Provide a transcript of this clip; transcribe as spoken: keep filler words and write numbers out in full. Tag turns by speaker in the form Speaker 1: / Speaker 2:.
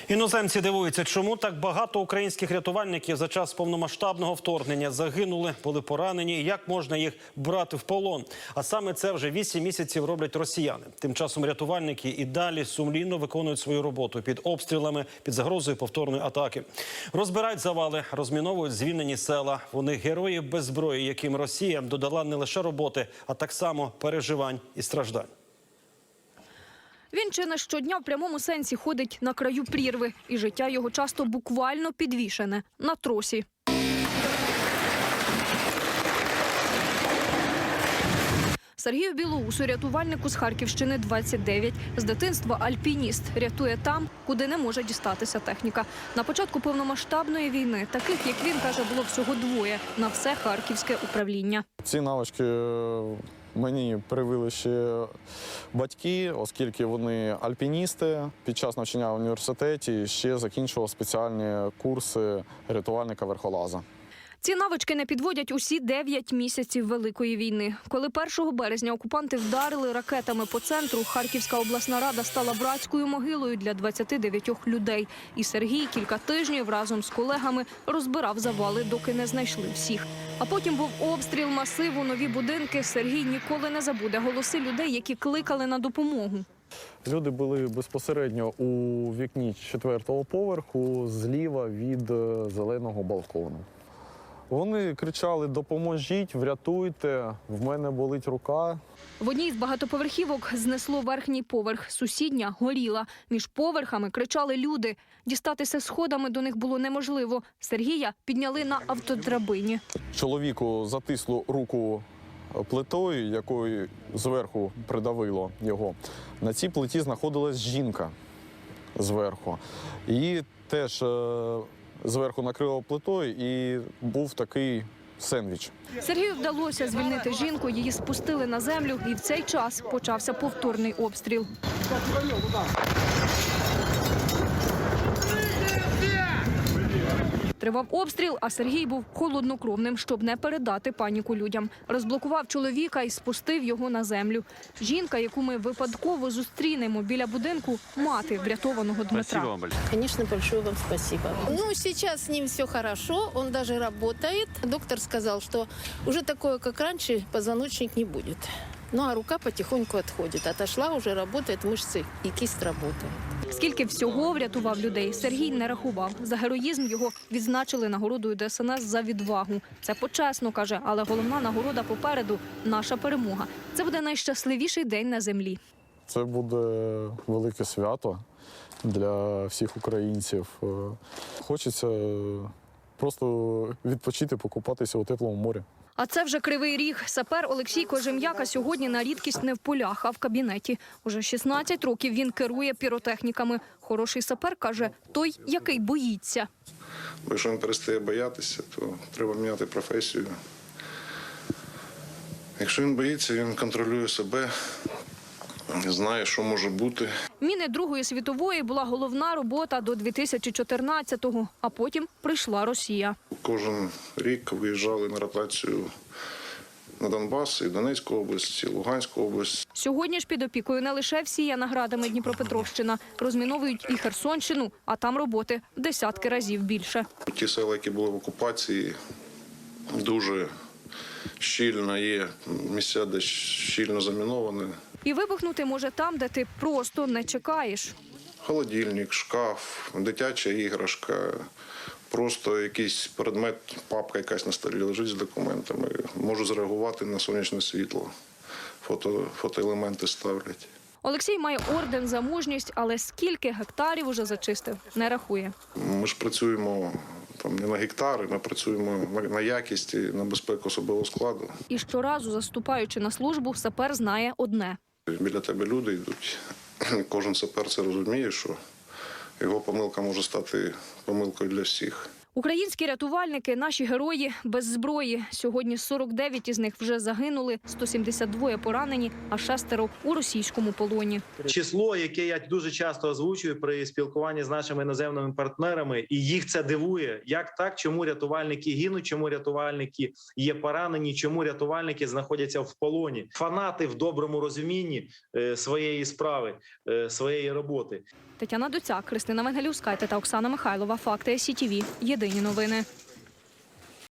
Speaker 1: Іноземці дивуються, чому так багато українських рятувальників за час повномасштабного вторгнення загинули, були поранені, і як можна їх брати в полон. А саме це вже вісім місяців роблять росіяни. Тим часом рятувальники і далі сумлінно виконують свою роботу під обстрілами, під загрозою повторної атаки. Розбирають завали, розміновують звільнені села. Вони герої без зброї, яким Росія додала не лише роботи, а так само переживань і страждань.
Speaker 2: Він чи не щодня в прямому сенсі ходить на краю прірви, і життя його часто буквально підвішене на тросі. Сергію Білоусу, рятувальнику з Харківщини, двадцять дев'ять. З дитинства альпініст, рятує там, куди не може дістатися техніка. На початку повномасштабної війни таких, як він, каже, було всього двоє на все харківське управління.
Speaker 3: Ці навички мені привили ще батьки, оскільки вони альпіністи. Під час навчання в університеті ще закінчував спеціальні курси рятувальника-верхолаза.
Speaker 2: Ці навички не підводять усі дев'ять місяців Великої війни. Коли першого березня окупанти вдарили ракетами по центру, Харківська обласна рада стала братською могилою для двадцяти дев'ятьох людей. І Сергій кілька тижнів разом з колегами розбирав завали, доки не знайшли всіх. А потім був обстріл масиву, нові будинки. Сергій ніколи не забуде голоси людей, які кликали на допомогу.
Speaker 3: Люди були безпосередньо у вікні четвертого поверху, зліва від зеленого балкону. Вони кричали: «Допоможіть, врятуйте, в мене болить рука».
Speaker 2: В одній з багатоповерхівок знесло верхній поверх. Сусідня горіла. Між поверхами кричали люди. Дістатися сходами до них було неможливо. Сергія підняли на автодрабині.
Speaker 3: Чоловіку затисло руку плитою, якою зверху придавило його. На цій плиті знаходилась жінка зверху. І теж зверху накрило плитою, і був такий сендвіч.
Speaker 2: Сергію вдалося звільнити жінку, її спустили на землю, і в цей час почався повторний обстріл. Тривав обстріл, а Сергій був холоднокровним, щоб не передати паніку людям. Розблокував чоловіка і спустив його на землю. Жінка, яку ми випадково зустрінемо біля будинку, мати врятованого Дмитра.
Speaker 4: Конечно, большое вам спасибо. Ну, сейчас с ним все хорошо, он даже работает. Доктор сказал, что уже такое, как раньше, позвоночник не будет. Ну, а рука потихоньку отходит. Отошла, уже работает мышцы, и кисть работает.
Speaker 2: Скільки всього врятував людей, Сергій не рахував. За героїзм його відзначили нагородою Де Ес Ен Ес за відвагу. Це почесно, каже, але головна нагорода попереду – наша перемога. Це буде найщасливіший день на землі.
Speaker 3: Це буде велике свято для всіх українців. Хочеться просто відпочити, покупатися у теплому морі.
Speaker 2: А це вже Кривий Ріг. Сапер Олексій Кожем'яка сьогодні на рідкість не в полях, а в кабінеті. Уже шістнадцять років він керує піротехніками. Хороший сапер, каже, той, який боїться.
Speaker 5: Бо якщо він перестає боятися, то треба міняти професію. Якщо він боїться, він контролює себе, знає, що може бути.
Speaker 2: Міни Другої світової була головна робота до дві тисячі чотирнадцятого, а потім прийшла Росія.
Speaker 5: Кожен рік виїжджали на ротацію на Донбас, і Донецьку область, і Луганську область.
Speaker 2: Сьогодні ж під опікою не лише всіяна градами Дніпропетровщина. Розміновують і Херсонщину, а там роботи в десятки разів більше.
Speaker 5: Ті села, які були в окупації, дуже щільно є місця, де щільно заміновані.
Speaker 2: І вибухнути може там, де ти просто не чекаєш.
Speaker 5: Холодильник, шкаф, дитяча іграшка, просто якийсь предмет, папка якась на столі лежить з документами. Можу зреагувати на сонячне світло, фото, фотоелементи ставлять.
Speaker 2: Олексій має орден за мужність, але скільки гектарів уже зачистив, не рахує.
Speaker 5: Ми ж працюємо там не на гектари, ми працюємо на якість і на безпеку особового складу.
Speaker 2: І щоразу, заступаючи на службу, сапер знає одне.
Speaker 5: Біля тебе люди йдуть. Кожен сапер це розуміє, що його помилка може стати помилкою для всіх.
Speaker 2: Українські рятувальники – наші герої без зброї. Сьогодні сорок дев'ять із них вже загинули, сто сімдесят два поранені, а шестеро у російському полоні.
Speaker 6: Число, яке я дуже часто озвучую при спілкуванні з нашими іноземними партнерами, і їх це дивує. Як так? Чому рятувальники гинуть? Чому рятувальники є поранені? Чому рятувальники знаходяться в полоні? Фанати в доброму розумінні своєї справи, своєї роботи.
Speaker 2: Тетяна Доцяк, Христина Венгелівська та Оксана Михайлова. Факти СІТВ. Єдині новини.